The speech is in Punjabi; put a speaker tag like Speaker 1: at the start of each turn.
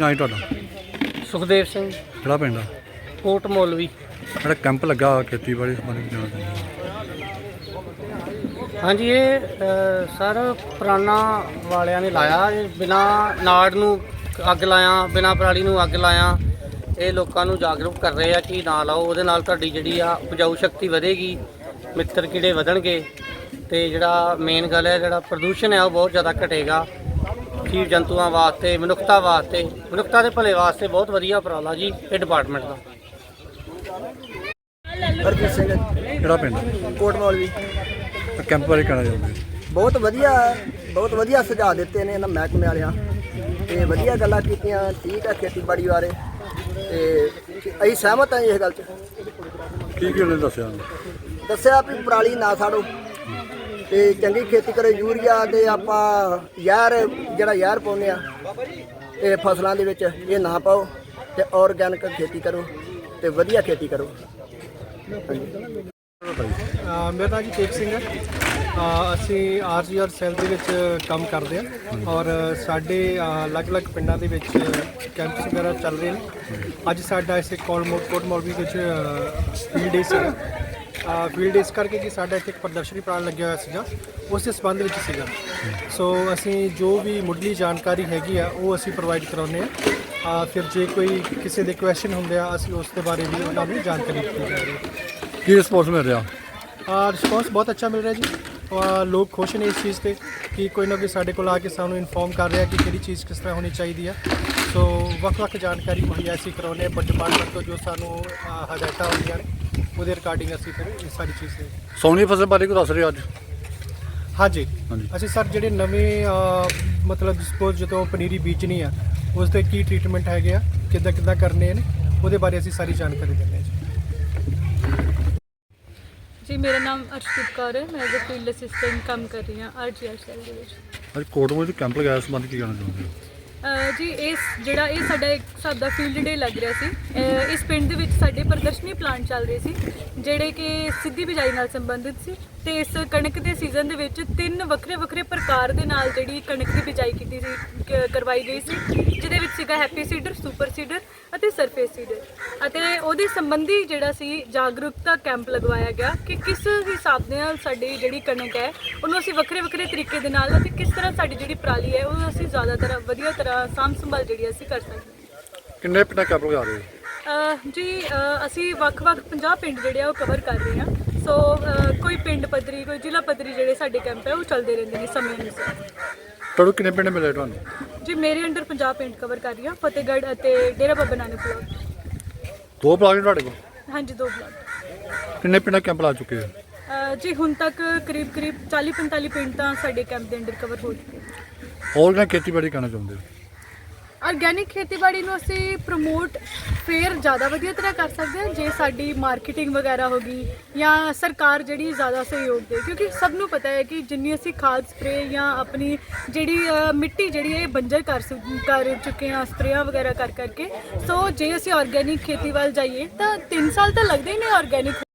Speaker 1: ਨਾਂ ਹੈ ਤੁਹਾਡਾ?
Speaker 2: ਸੁਖਦੇਵ ਸਿੰਘ,
Speaker 1: ਕਿਹੜਾ ਪਿੰਡ ਆ?
Speaker 2: ਕੋਟ ਮੌਲਵੀ।
Speaker 1: ਜਿਹੜਾ ਕੈਂਪ ਲੱਗਾ ਖੇਤੀਬਾੜੀ ਸੰਬੰਧੀ ਜਾਣਾ ਚਾਹੁੰਦੇ?
Speaker 2: ਹਾਂਜੀ, ਇਹ ਸਰ ਪੁਰਾਣਾ ਵਾਲਿਆਂ ਨੇ ਲਾਇਆ। ਬਿਨਾਂ ਨਾੜ ਨੂੰ ਅੱਗ ਲਾਇਆ, ਬਿਨਾਂ ਪਰਾਲੀ ਨੂੰ ਅੱਗ ਲਾਇਆ। ਇਹ ਲੋਕਾਂ ਨੂੰ ਜਾਗਰੂਕ ਕਰ ਰਹੇ ਆ ਕਿ ਨਾ ਲਾਓ, ਉਹਦੇ ਨਾਲ ਤੁਹਾਡੀ ਜਿਹੜੀ ਆ ਉਪਜਾਊ ਸ਼ਕਤੀ ਵਧੇਗੀ, ਮਿੱਤਰ ਕੀੜੇ ਵਧਣਗੇ ਤੇ ਜਿਹੜਾ ਮੇਨ ਗੱਲ ਹੈ ਜਿਹੜਾ ਪ੍ਰਦੂਸ਼ਣ ਹੈ ਉਹ ਬਹੁਤ ਜ਼ਿਆਦਾ ਘਟੇਗਾ। ਜੀਵ ਜੰਤੂਆਂ ਵਾਸਤੇ, ਮਨੁੱਖਤਾ ਦੇ ਭਲੇ ਵਾਸਤੇ ਬਹੁਤ ਵਧੀਆ ਉਪਰਾਲਾ ਜੀ ਇਹ ਡਿਪਾਰਟਮੈਂਟ ਦਾ।
Speaker 3: ਹਰਜੀਤ ਸਿੰਘ,
Speaker 1: ਕਿਹੜਾ ਪਿੰਡ?
Speaker 3: ਕੋਟ ਮੌਲਵੀ।
Speaker 1: ਕੈਂਪ ਬਾਰੇ ਕਹਿਣਾ ਚਾਹੁੰਦੇ?
Speaker 3: ਬਹੁਤ ਵਧੀਆ ਸੁਝਾਅ ਦਿੱਤੇ ਨੇ ਇਹਨਾਂ ਮਹਿਕਮੇ ਵਾਲਿਆਂ ਤੇ ਵਧੀਆ ਗੱਲਾਂ ਕੀਤੀਆਂ। ਠੀਕ ਹੈ ਖੇਤੀਬਾੜੀ ਬਾਰੇ ਤੇ ਅਸੀਂ ਸਹਿਮਤ ਹਾਂ ਇਸ ਗੱਲ 'ਚ।
Speaker 1: ਕੀ ਉਹਨੇ
Speaker 3: ਦੱਸਿਆ ਵੀ ਪਰਾਲੀ ਨਾ ਸਾੜੋ ਤੇ ਚੰਗੀ ਖੇਤੀ ਕਰੋ। ਯੂਰੀਆ ਤੇ ਆਪਾਂ ਜ਼ਹਿਰ ਪਾਉਂਦੇ ਆ ਇਹ ਫਸਲਾਂ ਦੇ ਵਿੱਚ, ਇਹ ਨਾ ਪਾਓ ਤੇ ਆਰਗੈਨਿਕ ਖੇਤੀ ਕਰੋ ਤੇ ਵਧੀਆ ਖੇਤੀ ਕਰੋ।
Speaker 4: ਮੇਰਾ ਨਾਮ ਜੀ ਤੇਜ ਸਿੰਘ ਹੈ। ਅਸੀਂ ਆਰਜੀਆਰ ਸੈੱਲ ਦੇ ਵਿੱਚ ਕੰਮ ਕਰਦੇ ਹਾਂ ਔਰ ਸਾਡੇ ਅਲੱਗ-ਅਲੱਗ ਪਿੰਡਾਂ ਦੇ ਵਿੱਚ ਕੈਂਪਸ ਵਗੈਰਾ ਚੱਲ ਰਹੇ ਨੇ। ਅੱਜ ਸਾਡਾ ਇਸੇ ਕੋਟ ਮੌਲਵੀ ਵਿੱਚ ਫੀਲਡ ਡੇ ਸੀਗਾ। ਫੀਲਡ ਇਸ ਕਰਕੇ ਕਿ ਸਾਡਾ ਇੱਥੇ ਇੱਕ ਪ੍ਰਦਰਸ਼ਨੀ ਪ੍ਰਾਣ ਲੱਗਿਆ ਹੋਇਆ ਸੀਗਾ, ਉਸ ਦੇ ਸੰਬੰਧ ਵਿੱਚ ਸੀਗਾ। ਸੋ ਅਸੀਂ ਜੋ ਵੀ ਮੁੱਢਲੀ ਜਾਣਕਾਰੀ ਹੈਗੀ ਆ ਉਹ ਅਸੀਂ ਪ੍ਰੋਵਾਈਡ ਕਰਾਉਂਦੇ ਹਾਂ। ਫਿਰ ਜੇ ਕੋਈ ਕਿਸੇ ਦੇ ਕੁਐਸਚਨ ਹੁੰਦੇ ਆ ਅਸੀਂ ਉਸ ਦੇ ਬਾਰੇ ਵੀ ਉਹਨਾਂ ਨੂੰ ਜਾਣਕਾਰੀ ਦਿੱਤੀ ਜਾ ਰਹੀ ਹੈ।
Speaker 1: ਕੀ ਰਿਸਪੌਂਸ ਮਿਲ ਰਿਹਾ?
Speaker 4: ਰਿਸਪੌਂਸ ਬਹੁਤ ਅੱਛਾ ਮਿਲ ਰਿਹਾ ਜੀ। ਲੋਕ ਖੁਸ਼ ਨੇ ਇਸ ਚੀਜ਼ 'ਤੇ ਕਿ ਕੋਈ ਨਾ ਕੋਈ ਸਾਡੇ ਕੋਲ ਆ ਕੇ ਸਾਨੂੰ ਇਨਫੋਰਮ ਕਰ ਰਿਹਾ ਕਿ ਕਿਹੜੀ ਚੀਜ਼ ਕਿਸ ਤਰ੍ਹਾਂ ਹੋਣੀ ਚਾਹੀਦੀ ਹੈ। ਸੋ ਵੱਖ-ਵੱਖ ਜਾਣਕਾਰੀ ਮੁਹੱਈਆ ਅਸੀਂ ਕਰਾਉਂਦੇ ਹਾਂ ਡਿਪਾਰਟਮੈਂਟ ਤੋਂ, ਜੋ ਸਾਨੂੰ ਹਦਾਇਤਾਂ ਹੁੰਦੀਆਂ ਨੇ ਉਹਦੇ ਰਿਗਾਰਡਿੰਗ ਅਸੀਂ ਫਿਰ ਇਹ ਸਾਰੀ ਚੀਜ਼
Speaker 1: ਸੋਨੀ ਫਸਲ ਬਾਰੇ ਕੋਈ ਦੱਸ ਰਹੇ ਅੱਜ?
Speaker 4: ਹਾਂਜੀ, ਅਸੀਂ ਸਰ ਜਿਹੜੇ ਨਵੇਂ ਮਤਲਬ ਸਪੋਜ਼ ਜਦੋਂ ਪਨੀਰੀ ਬੀਜਣੀ ਆ ਉਸ ਦੇ ਕੀ ਟਰੀਟਮੈਂਟ ਹੈਗੇ ਆ, ਕਿੱਦਾਂ ਕਰਨੇ ਨੇ, ਉਹਦੇ ਬਾਰੇ ਅਸੀਂ ਸਾਰੀ ਜਾਣਕਾਰੀ ਦਿੰਦੇ ਹਾਂ
Speaker 5: ਜੀ। ਮੇਰਾ ਨਾਮ ਅਰਸ਼ਦੀਪ ਕੌਰ ਹੈ। ਮੈਂ ਐਜ਼ ਅ ਫੀਲਡ ਅਸਿਸਟੈਂਟ ਕੰਮ ਕਰ ਰਹੀ ਹਾਂ ਆਰਜੀਆਰ ਸੈੱਲ ਦੇ ਵਿੱਚ।
Speaker 1: ਅੱਜ ਕੋਟਮੋਲ ਵਿੱਚ ਕੈਂਪ ਲਗਾਇਆ, ਸੰਬੰਧ ਕੀ ਕਹਿਣਾ ਚਾਹੁੰਦੇ ਹੋ?
Speaker 5: ਜੀ ਇਹ ਸਾਡਾ ਇੱਕ ਹਿਸਾਬ ਦਾ ਫੀਲਡ ਡੇ ਲੱਗ ਰਿਹਾ ਸੀ। ਇਸ ਪਿੰਡ ਦੇ ਵਿੱਚ ਸਾਡੇ ਪ੍ਰਦਰਸ਼ਨੀ ਪਲਾਂਟ ਚੱਲ ਰਹੇ ਸੀ ਜਿਹੜੇ ਕਿ ਸਿੱਧੀ ਬਿਜਾਈ ਨਾਲ ਸੰਬੰਧਿਤ ਸੀ ਤੇ ਇਸ ਕਣਕ ਦੇ ਸੀਜ਼ਨ ਦੇ ਵਿੱਚ 3 ਵੱਖਰੇ ਪ੍ਰਕਾਰ ਦੇ ਨਾਲ ਜਿਹੜੀ ਕਣਕ ਦੀ ਬਿਜਾਈ ਕਰਵਾਈ ਗਈ ਸੀ, ਜਿਹਦੇ ਵਿੱਚ ਸੀਗਾ ਹੈਪੀ ਸੀਡਰ, ਸੁਪਰ ਸੀਡਰ ਅਤੇ ਸਰਫੇਸ ਸੀਡਰ। ਅਤੇ ਉਹਦੇ ਸੰਬੰਧੀ ਜਿਹੜਾ ਸੀ ਜਾਗਰੂਕਤਾ ਕੈਂਪ ਲਗਵਾਇਆ ਗਿਆ ਕਿ ਕਿਸ ਹਿਸਾਬ ਦੇ ਨਾਲ ਸਾਡੀ ਜਿਹੜੀ ਕਣਕ ਹੈ ਉਹਨੂੰ ਅਸੀਂ ਵੱਖਰੇ ਤਰੀਕੇ ਦੇ ਨਾਲ ਅਤੇ ਕਿਸ ਤਰ੍ਹਾਂ ਸਾਡੀ ਜਿਹੜੀ ਪਰਾਲੀ ਹੈ ਉਹ ਅਸੀਂ ਜ਼ਿਆਦਾਤਰ ਵਧੀਆ ਤਰ੍ਹਾਂ ਸਾਂਭ ਸੰਭਾਲ ਜਿਹੜੀ ਅਸੀਂ ਕਰ ਸਕਦੇ ਹਾਂ।
Speaker 1: ਕਿੰਨੇ ਪਿੰਡਾਂ ਕੈਂਪ ਲਗਾ ਰਹੇ ਹੋ?
Speaker 5: ਜੀ ਅਸੀਂ ਵੱਖ-ਵੱਖ 50 ਪਿੰਡ ਜਿਹੜੇ ਆ ਉਹ ਕਵਰ ਕਰ ਰਹੇ ਹਾਂ। ਸੋ ਕੋਈ ਪਿੰਡ ਪੱਧਰੀ, ਕੋਈ ਜ਼ਿਲ੍ਹਾ ਪੱਧਰੀ ਜਿਹੜੇ ਸਾਡੇ ਕੈਂਪ ਹੈ ਉਹ ਚੱਲਦੇ ਰਹਿੰਦੇ ਨੇ ਸਮੇਂ ਅਨੁਸਾਰ।
Speaker 1: ਤੁਹਾਨੂੰ ਕਿੰਨੇ ਪਿੰਡ ਮਿਲੇ ਤੁਹਾਨੂੰ?
Speaker 5: ਜੀ ਮੇਰੇ ਅੰਡਰ 50 ਪਿੰਡ ਕਵਰ ਕਰ ਰਹੀ ਹਾਂ, ਫਤਿਹਗੜ੍ਹ ਅਤੇ ਡੇਰਾ ਬਾਬਾ ਨਾਨਕ ਬਲਾਕ।
Speaker 1: 2 ਬਲਾਕ ਨੇ ਤੁਹਾਡੇ ਕੋਲ?
Speaker 5: ਹਾਂਜੀ, 2 ਬਲਾਕ।
Speaker 1: ਕਿੰਨੇ ਪਿੰਡਾਂ ਕੈਂਪ ਲਾ ਚੁੱਕੇ ਹੋ?
Speaker 5: ਜੀ ਹੁਣ ਤੱਕ ਕਰੀਬ 40-45 ਪਿੰਡ ਤਾਂ ਸਾਡੇ ਕੈਂਪ ਦੇ ਅੰਡਰ ਕਵਰ ਹੋ ਚੁੱਕੇ ਨੇ।
Speaker 1: ਹੋਰ ਕਿਹਨਾਂ ਖੇਤੀਬਾੜੀ ਕਰਨਾ ਚਾਹੁੰਦੇ ਹੋ?
Speaker 5: ਆਰਗੈਨਿਕ ਖੇਤੀਬਾੜੀ ਨੂੰ ਅਸੀਂ ਪ੍ਰਮੋਟ ਫੇਰ ਜ਼ਿਆਦਾ ਵਧੀਆ ਤਰ੍ਹਾਂ ਕਰ ਸਕਦੇ ਹਾਂ ਜੇ ਸਾਡੀ ਮਾਰਕੀਟਿੰਗ ਵਗੈਰਾ ਹੋ ਗਈ ਜਾਂ ਸਰਕਾਰ ਜਿਹੜੀ ਜ਼ਿਆਦਾ ਸਹਿਯੋਗ ਦੇ, ਕਿਉਂਕਿ ਸਭ ਨੂੰ ਪਤਾ ਹੈ ਕਿ ਜਿੰਨੀ ਅਸੀਂ ਖਾਦ ਸਪਰੇ ਜਾਂ ਆਪਣੀ ਜਿਹੜੀ ਮਿੱਟੀ ਜਿਹੜੀ ਇਹ ਬੰਜਰ ਕਰ ਚੁੱਕੇ ਹਾਂ ਸਪਰੇਆਂ ਵਗੈਰਾ ਕਰਕੇ। ਸੋ ਜੇ ਅਸੀਂ ਆਰਗੈਨਿਕ ਖੇਤੀ ਵੱਲ ਜਾਈਏ ਤਾਂ 3 ਸਾਲ ਤਾਂ ਲੱਗਦੇ ਹੀ ਨੇ ਆਰਗੈਨਿਕ